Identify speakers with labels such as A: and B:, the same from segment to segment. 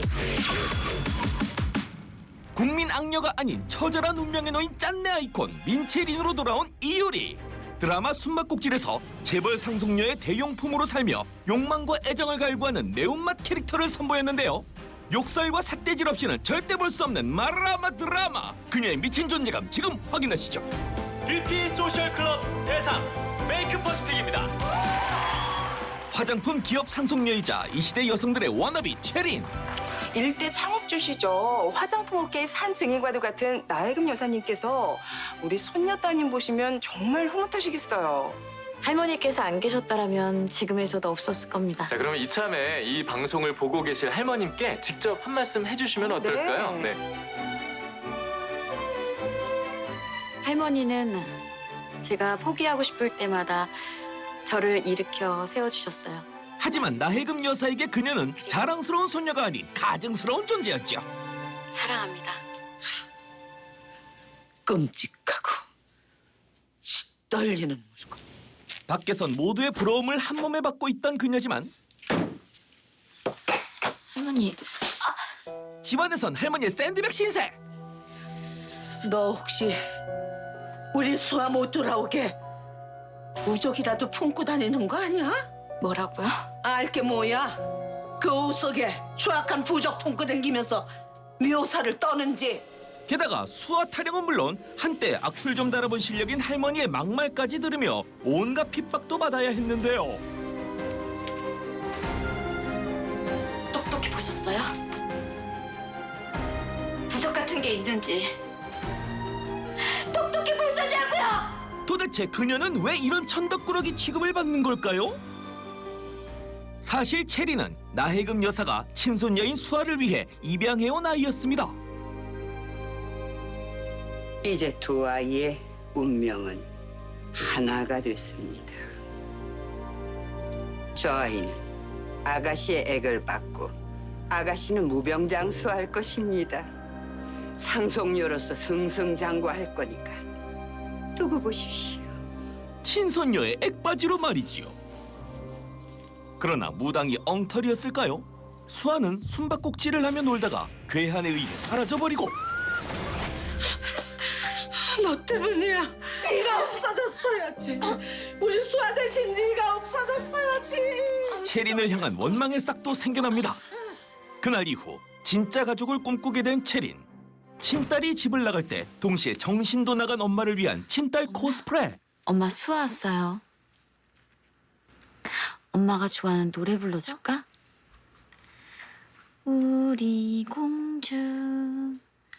A: 국민 악녀가 아닌 처절한 운명에 놓인 짠내 아이콘 민채린으로 돌아온 이효리. 드라마 숨바꼭질에서 재벌 상속녀의 대용품으로 살며 욕망과 애정을 갈구하는 매운맛 캐릭터를 선보였는데요. 욕설과 삿대질 없이는 절대 볼 수 없는 마라마 드라마. 그녀의 미친 존재감 지금 확인하시죠.
B: 뷰티 소셜 클럽 대상 메이크 퍼스픽입니다.
A: 화장품 기업 상속녀이자 이 시대 여성들의 워너비 채린.
C: 일대 창업주시죠. 화장품 업계의 산 증인과도 같은 나혜금 여사님께서 우리 손녀 따님 보시면 정말 흐뭇하시겠어요.
D: 할머니께서 안 계셨더라면 지금의 저도 없었을 겁니다.
B: 자, 그러면 이참에 이 방송을 보고 계실 할머님께 직접 한 말씀 해주시면 어떨까요?
C: 네.
D: 할머니는 제가 포기하고 싶을 때마다 저를 일으켜 세워주셨어요.
A: 하지만 나혜금 여사에게 그녀는 자랑스러운 손녀가 아닌 가증스러운 존재였죠.
D: 사랑합니다.
E: 끔찍하고 떨리는 물건.
A: 밖에선 모두의 부러움을 한 몸에 받고 있던 그녀지만
D: 할머니,
A: 집안에선 할머니의 샌드백 신세.
E: 너 혹시 우리 수아 못 돌아오게 부적이라도 품고 다니는 거 아니야?
D: 뭐라고요?
E: 알게 뭐야? 그 옷 속에 추악한 부적 품고 다니면서 묘사를 떠는지.
A: 게다가 수아 타령은 물론 한때 악플 좀 달아본 실력인 할머니의 막말까지 들으며 온갖 핍박도 받아야 했는데요.
D: 똑똑히 보셨어요? 부적 같은 게 있는지 똑똑히 보셨냐고요?
A: 도대체 그녀는 왜 이런 천덕꾸러기 취급을 받는 걸까요? 사실 체리는 나혜금 여사가 친손녀인 수아를 위해 입양해온 아이였습니다.
F: 이제 두 아이의 운명은 하나가 됐습니다. 저 아이는 아가씨의 액을 받고 아가씨는 무병장수할 것입니다. 상속녀로서 승승장구할 거니까 두고 보십시오.
A: 친손녀의 액바지로 말이지요. 그러나 무당이 엉터리였을까요? 수아는 숨바꼭질을 하며 놀다가 괴한에 의해 사라져버리고
E: 너 때문이야. 네가 없어졌어야지. 우리 수아 대신 네가 없어졌어야지.
A: 체린을 향한 원망의 싹도 생겨납니다. 그날 이후 진짜 가족을 꿈꾸게 된 체린. 친딸이 집을 나갈 때 동시에 정신도 나간 엄마를 위한 친딸 코스프레.
D: 엄마 수아 왔어요. 엄마가 좋아하는 노래 불러줄까? 우리 공주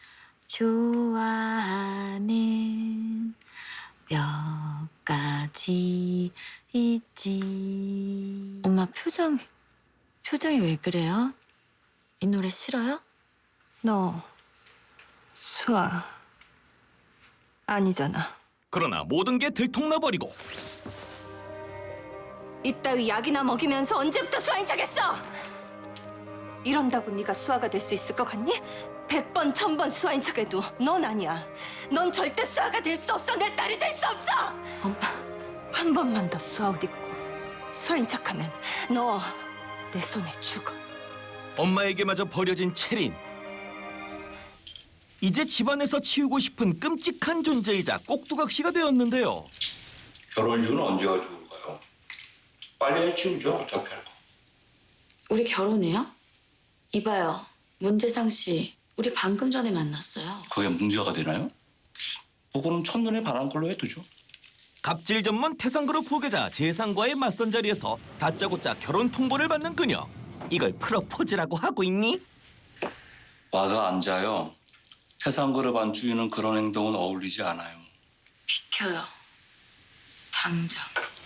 D: 좋아하는 몇 가지 있지. 엄마 표정이 왜 그래요? 이 노래 싫어요?
C: 너 수아 아니잖아.
A: 그러나 모든 게 들통나버리고
G: 이따위 약이나 먹이면서 언제부터 수아인 척했어? 이런다고 네가 수아가 될 수 있을 것 같니? 100번, 1000번 수아인 척해도 넌 아니야. 넌 절대 수아가 될 수 없어. 내 딸이 될 수 없어.
D: 엄마.
G: 한 번만 더 수아 옷 입고 수아인 척하면 너 내 손에 죽어.
A: 엄마에게마저 버려진 체린. 이제 집안에서 치우고 싶은 끔찍한 존재이자 꼭두각시가 되었는데요.
H: 결혼 이유는 언제가 좋을까요? 빨리 치우죠. 어차피 할 거.
D: 우리 결혼해요? 이봐요. 문재상 씨, 우리 방금 전에 만났어요.
H: 그게 문제가 되나요? 뭐 그럼 첫눈에 반한 걸로 해두죠.
A: 갑질 전문 태상그룹 후계자 재상과의 맞선 자리에서 다짜고짜 결혼 통보를 받는 그녀. 이걸 프로포즈라고 하고 있니?
H: 와서 앉아요. 세상그룹 안주인은 그런 행동은 어울리지 않아요.
D: 비켜요. 당장.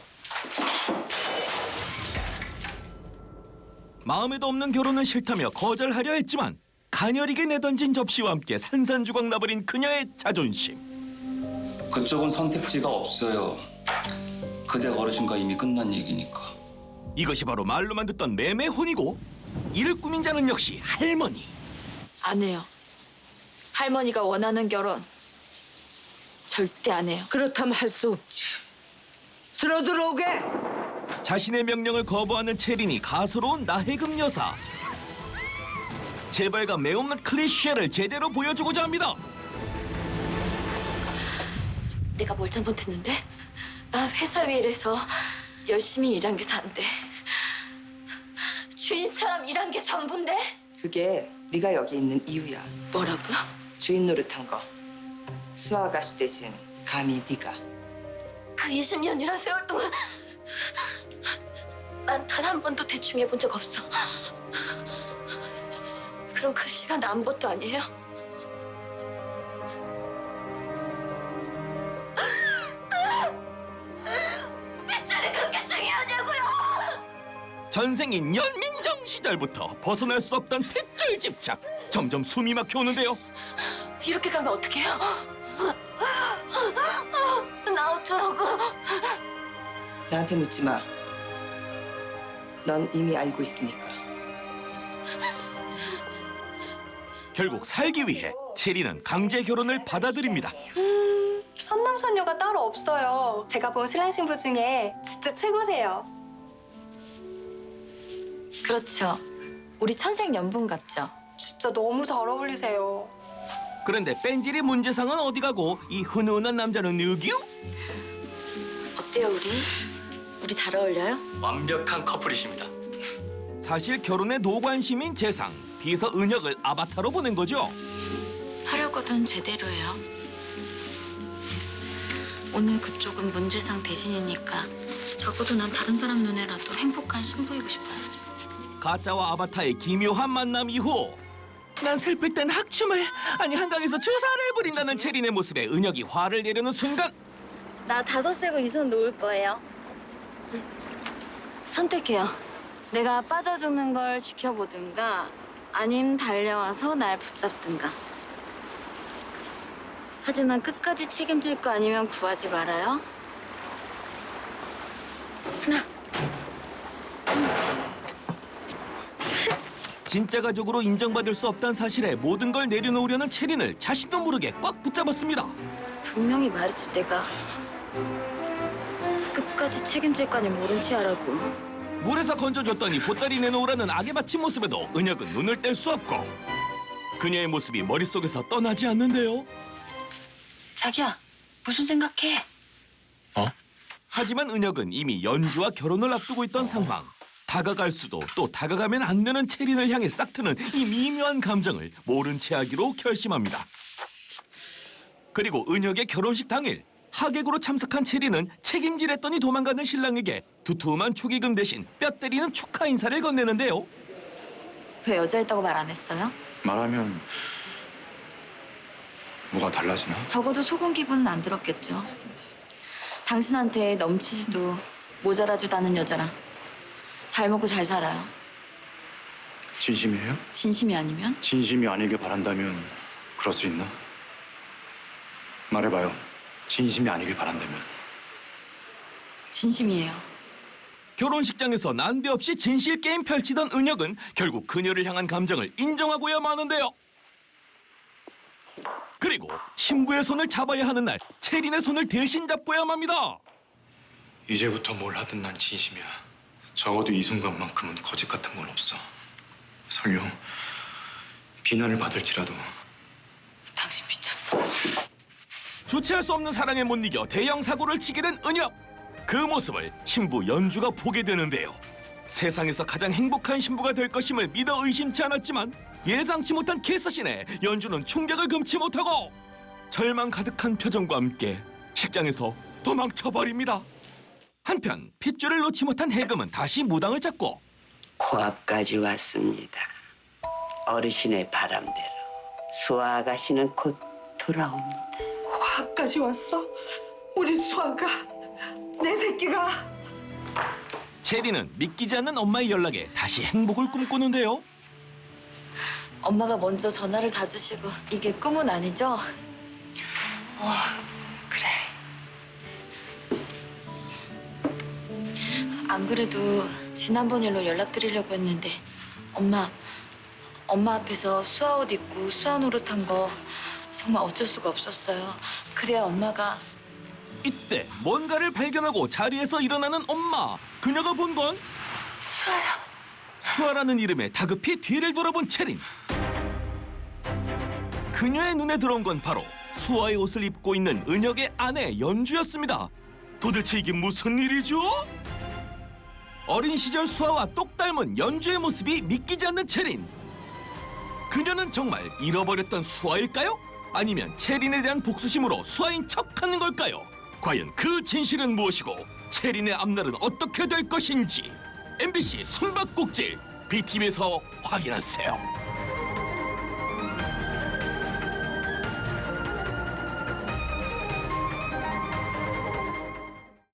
A: 마음에도 없는 결혼은 싫다며 거절하려 했지만 가녀리게 내던진 접시와 함께 산산조각 나버린 그녀의 자존심.
H: 그쪽은 선택지가 없어요. 그대 어르신과 이미 끝난 얘기니까.
A: 이것이 바로 말로만 듣던 매매혼이고 이를 꾸민 자는 역시 할머니.
D: 안 해요. 할머니가 원하는 결혼 절대 안 해요.
E: 그렇다면 할 수 없지. 들어오게.
A: 자신의 명령을 거부하는 체린이 가소로운 나혜금 여사. 재벌가 매운맛 클리셰를 제대로 보여주고자 합니다.
D: 내가 뭘 잘못했는데? 나 회사 일해서 열심히 일한 게 다인데 주인처럼 일한 게 전부인데?
C: 그게 네가 여기 있는 이유야.
D: 뭐라고요?
C: 주인 노릇한 거. 수아 아가씨 대신 감히 네가.
D: 그 20년이란 세월 동안 난 단 한 번도 대충 해본 적 없어. 그럼 그 시간 아무것도 아니에요? 빗줄이 그렇게 중요하냐고요?
A: 전생인 연민정 시절부터 벗어날 수 없던 핏줄 집착. 점점 숨이 막혀오는데요.
D: 이렇게 가면 어떡해요? 나 어쩌라고?
C: 나한테 묻지 마. 넌 이미 알고 있으니까.
A: 결국 살기 위해 체리는 강제 결혼을 받아들입니다.
I: 선남선녀가 따로 없어요. 제가 본 신랑 신부 중에 진짜 최고세요.
D: 그렇죠. 우리 천생연분 같죠?
I: 진짜 너무 잘 어울리세요.
A: 그런데 뺀질이 문제상은 어디 가고 이 훈훈한 남자는 누구요?
D: 어때요, 우리? 우리 잘 어울려요?
B: 완벽한 커플이십니다.
A: 사실 결혼에 노관심인 재상. 비서 은혁을 아바타로 보낸 거죠.
D: 하려거든 제대로 해요. 오늘 그쪽은 문제상 대신이니까 적어도 난 다른 사람 눈에라도 행복한 신부이고 싶어요.
A: 가짜와 아바타의 기묘한 만남 이후 난 슬플 땐 학춤을 아니 한강에서 주사를 부린다는 체린의 모습에 은혁이 화를 내려는 순간
D: 나 다섯 세고 이 손 놓을 거예요. 선택해요. 내가 빠져 죽는 걸 지켜보든가 아님 달려와서 날 붙잡든가. 하지만 끝까지 책임질 거 아니면 구하지 말아요. 하나.
A: 진짜 가족으로 인정받을 수 없다는 사실에 모든 걸 내려놓으려는 체린을 자신도 모르게 꽉 붙잡았습니다.
D: 분명히 말했지 내가. 끝까지 책임질 거 아니면 모른 체 하라고.
A: 물에서 건져줬더니 보따리 내놓으라는 악에 바친 모습에도 은혁은 눈을 뗄 수 없고 그녀의 모습이 머릿속에서 떠나지 않는데요.
D: 자기야, 무슨 생각해?
A: 하지만 은혁은 이미 연주와 결혼을 앞두고 있던 상황. 다가갈 수도 또 다가가면 안 되는 체린을 향해 싹트는 이 미묘한 감정을 모른 채 하기로 결심합니다. 그리고 은혁의 결혼식 당일 하객으로 참석한 체린은 책임지랬더니 도망가는 신랑에게 두툼한 축의금 대신 뼈 때리는 축하 인사를 건네는데요.
D: 왜 여자였다고 말 안 했어요?
J: 말하면 뭐가 달라지나?
D: 적어도 속은 기분은 안 들었겠죠. 당신한테 넘치지도 모자라지도 않은 여자랑 잘 먹고 잘 살아요.
J: 진심이에요?
D: 진심이 아니면?
J: 진심이 아니길 바란다면 그럴 수 있나? 말해봐요. 진심이 아니길 바란다면.
D: 진심이에요.
A: 결혼식장에서 난데없이 진실 게임 펼치던 은혁은 결국 그녀를 향한 감정을 인정하고야 마는데요. 그리고 신부의 손을 잡아야 하는 날 체린의 손을 대신 잡고야 맙니다.
J: 이제부터 뭘 하든 난 진심이야. 적어도 이 순간만큼은 거짓 같은 건 없어. 설령 비난을 받을지라도.
D: 당신 미쳤어.
A: 주체할 수 없는 사랑에 못 이겨 대형 사고를 치게 된 은혁. 그 모습을 신부 연주가 보게 되는데요. 세상에서 가장 행복한 신부가 될 것임을 믿어 의심치 않았지만 예상치 못한 키스신에 연주는 충격을 금치 못하고 절망 가득한 표정과 함께 식장에서 도망쳐버립니다. 한편 핏줄을 놓지 못한 해금은 다시 무당을 잡고
F: 코앞까지 왔습니다. 어르신의 바람대로 수아 아가씨는 곧 돌아옵니다.
E: 코앞까지 왔어? 우리 수아가, 내 새끼가.
A: 체리는 믿기지 않는 엄마의 연락에 다시 행복을 꿈꾸는데요.
D: 엄마가 먼저 전화를 다 주시고 이게 꿈은 아니죠?
F: 그래.
D: 안 그래도 지난번 일로 연락드리려고 했는데 엄마 앞에서 수아 옷 입고 수아 노릇한 거 정말 어쩔 수가 없었어요. 그래야 엄마가
A: 이때 뭔가를 발견하고 자리에서 일어나는 엄마. 그녀가 본 건
D: 수아야.
A: 수아라는 이름에 다급히 뒤를 돌아본 체린. 그녀의 눈에 들어온 건 바로 수아의 옷을 입고 있는 은혁의 아내 연주였습니다. 도대체 이게 무슨 일이죠? 어린 시절 수아와 똑 닮은 연주의 모습이 믿기지 않는 채린. 그녀는 정말 잃어버렸던 수아일까요? 아니면 채린에 대한 복수심으로 수아인 척하는 걸까요? 과연 그 진실은 무엇이고 채린의 앞날은 어떻게 될 것인지 MBC 숨바꼭질 BTV에서 확인하세요.